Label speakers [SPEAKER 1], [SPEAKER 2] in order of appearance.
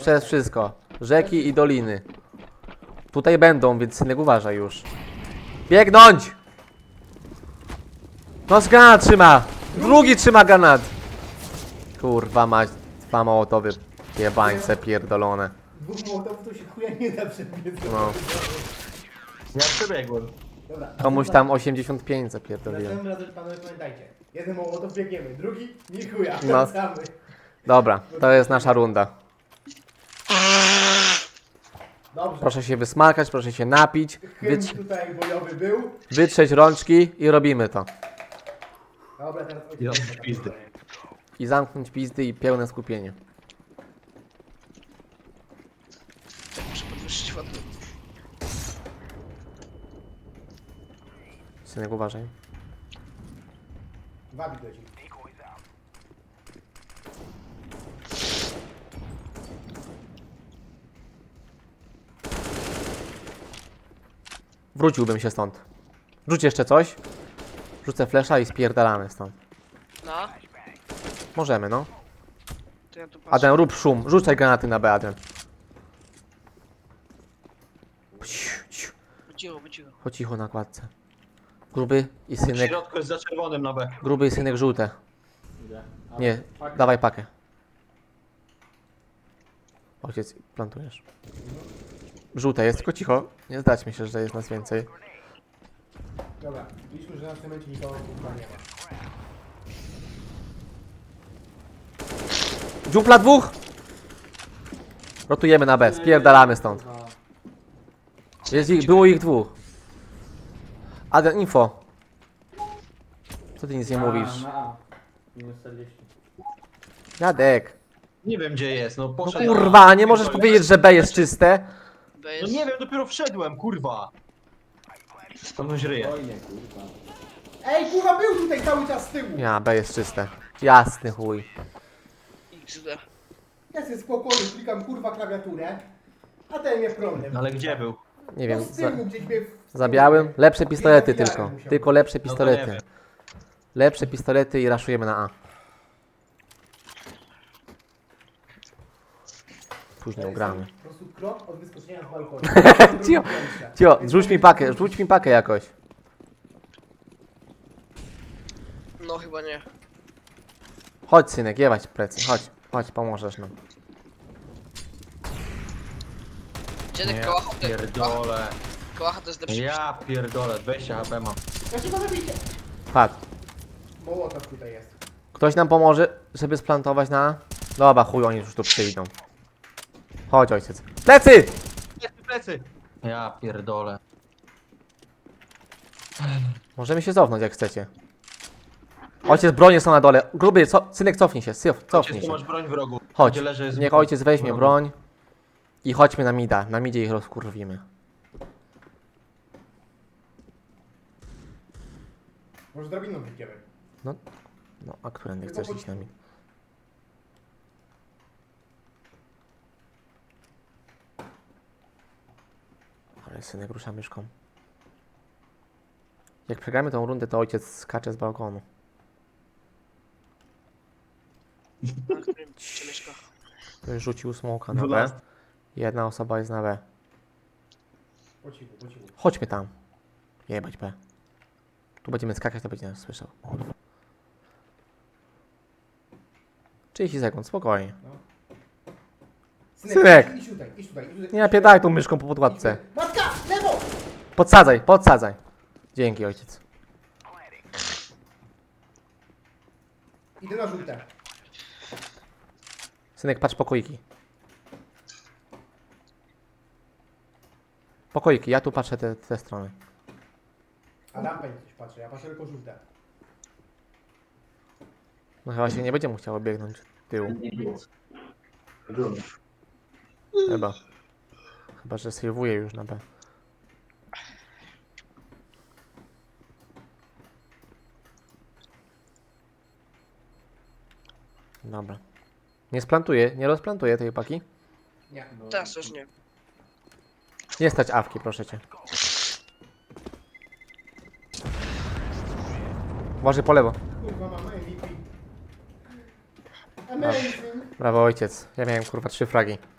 [SPEAKER 1] przez wszystko. Rzeki i doliny. Tutaj będą, więc synek uważaj już. Biegnąć! No z granat trzyma! Drugi trzyma granat! Kurwa mać, dwa mołotowy jebańce pierdolone.
[SPEAKER 2] Dwóch mołotowów to się chuja nie da przebiec.
[SPEAKER 1] No.
[SPEAKER 3] Ja przebiegłem.
[SPEAKER 2] Dobra.
[SPEAKER 1] Komuś tam 85 zapierdoliłem.
[SPEAKER 2] Następnym razem panowie pamiętajcie. Jeden mołotow biegniemy, drugi nie chuja,
[SPEAKER 1] No.
[SPEAKER 2] wracamy.
[SPEAKER 1] Dobra, to jest nasza runda.
[SPEAKER 2] Dobrze.
[SPEAKER 1] Proszę się wysmakać, proszę się napić,
[SPEAKER 2] Hymn tutaj bojowy był.
[SPEAKER 1] wytrzeć rączki i robimy to.
[SPEAKER 2] Dobra, teraz
[SPEAKER 3] Ja
[SPEAKER 2] ojciec.
[SPEAKER 3] pizdy.
[SPEAKER 1] I zamknąć pizdy i pełne skupienie.
[SPEAKER 4] Muszę podwyższyć ładnie.
[SPEAKER 1] Synek uważaj.
[SPEAKER 2] Wabik leci.
[SPEAKER 1] Wróciłbym się stąd. Rzuć jeszcze coś. Rzucę flesza i spierdalamy stąd.
[SPEAKER 4] No,
[SPEAKER 1] Możemy, no.
[SPEAKER 4] to ja tu patrzę.
[SPEAKER 1] Adrian, rób szum. Rzucaj granaty na B, Adrian.
[SPEAKER 4] By cicho.
[SPEAKER 1] Chodź cicho na kładce. Gruby i
[SPEAKER 3] W
[SPEAKER 1] synek.
[SPEAKER 3] środku jest za czerwonym na B.
[SPEAKER 1] Gruby i synek żółte. Nie, dawaj pakę. Ojciec, plantujesz. Żółte jest, tylko cicho. Nie zdać mi się, że jest nas więcej.
[SPEAKER 2] Dobra, liczmy, że na cemencie nikogo kurwa nie ma.
[SPEAKER 1] Dziupla dwóch! Rotujemy na B, spierdalamy stąd. Było ich dwóch. Adrian, info. Co ty nic nie mówisz?
[SPEAKER 5] Minus 40.
[SPEAKER 1] Jadek.
[SPEAKER 3] Nie wiem gdzie jest, no
[SPEAKER 1] No
[SPEAKER 3] poszedł.
[SPEAKER 1] kurwa, nie możesz powiedzieć, że B jest czyste?
[SPEAKER 4] B
[SPEAKER 3] No
[SPEAKER 4] jest...
[SPEAKER 3] nie wiem, dopiero wszedłem, kurwa. Skąd ryje?
[SPEAKER 5] Oj nie, kurwa.
[SPEAKER 2] Ej, kurwa był tutaj cały czas z tyłu!
[SPEAKER 1] Ja, B jest czyste. Jasny chuj.
[SPEAKER 4] XD.
[SPEAKER 2] Ja sobie spokojnie klikam kurwa klawiaturę, a ten mnie problem.
[SPEAKER 3] Ale gdzie był?
[SPEAKER 1] Nie
[SPEAKER 2] No
[SPEAKER 1] wiem,
[SPEAKER 2] z tyłu gdzieś mnie
[SPEAKER 1] za białym. Lepsze pistolety
[SPEAKER 2] Widziałem,
[SPEAKER 1] tylko.
[SPEAKER 2] musiał
[SPEAKER 1] Tylko
[SPEAKER 2] być.
[SPEAKER 1] lepsze
[SPEAKER 3] No to nie
[SPEAKER 1] pistolety.
[SPEAKER 3] wiem.
[SPEAKER 1] Lepsze pistolety i raszujemy na A. Później ugramy.
[SPEAKER 2] Po prostu krok od wyskoczenia z balkonu.
[SPEAKER 1] Cio, Cio, rzuć mi pakę jakoś.
[SPEAKER 4] No chyba nie.
[SPEAKER 1] Chodź synek, jebać plecy, chodź, pomożesz nam.
[SPEAKER 4] Dziadek
[SPEAKER 3] Nie,
[SPEAKER 4] kołacha,
[SPEAKER 3] pierdolę.
[SPEAKER 4] kołacha to jest lepszy.
[SPEAKER 3] Ja pierdolę, 20 HP mam.
[SPEAKER 2] Znaczy go zabicie.
[SPEAKER 1] Patrz,
[SPEAKER 2] Mołotow tutaj jest.
[SPEAKER 1] ktoś nam pomoże, żeby splantować na A? Dobra, chuj, oni już tu przyjdą. Chodź ojciec. Plecy!
[SPEAKER 3] Plecy! Ja pierdolę.
[SPEAKER 1] Możemy się cofnąć jak chcecie. Ojciec, bronie są na dole. Gruby, synek cofnij się, cofnij
[SPEAKER 3] Tu
[SPEAKER 1] się.
[SPEAKER 3] masz broń w rogu.
[SPEAKER 1] Chodź,
[SPEAKER 3] Gdzie leży jest
[SPEAKER 1] niech
[SPEAKER 3] broń.
[SPEAKER 1] ojciec weźmie
[SPEAKER 3] W rogu.
[SPEAKER 1] broń i chodźmy na mida. Na midzie ich rozkurwimy.
[SPEAKER 2] Może drabiną wyjdziemy.
[SPEAKER 1] No, a którędy chcesz iść na mid? Ale synek rusza myszką. Jak przegramy tą rundę, to ojciec skacze z balkonu.
[SPEAKER 4] Na którym się mieszka.
[SPEAKER 1] Ktoś rzucił smoka na B.
[SPEAKER 3] 12.
[SPEAKER 1] Jedna osoba jest na B.
[SPEAKER 2] Po cichu, po cichu.
[SPEAKER 1] Chodźmy tam. Jebać B. Tu będziemy skakać, to będzie nas słyszał. 30 sekund, spokojnie. Synek!
[SPEAKER 2] Idź tutaj, idź tutaj.
[SPEAKER 1] Nie napierdaj tą myszką po podkładce.
[SPEAKER 2] Matka, lewo!
[SPEAKER 1] Podsadzaj. Dzięki ojciec.
[SPEAKER 2] Idę na żółte.
[SPEAKER 1] Synek, patrz pokoiki. Pokoiki, ja tu patrzę te strony.
[SPEAKER 2] A lampę coś patrzę, ja patrzę tylko żółte.
[SPEAKER 1] No chyba się nie będzie mu chciało biegnąć tyłu. Chyba. Chyba, że sejwuje już na B. Dobra. Nie rozplantuję tej paki.
[SPEAKER 2] Nie.
[SPEAKER 4] Teraz już nie.
[SPEAKER 1] Nie stać awki, proszę cię. Uważaj po lewo.
[SPEAKER 2] Kurwa mam MVP. Amazing.
[SPEAKER 1] Brawo ojciec. Ja miałem kurwa 3 fragi.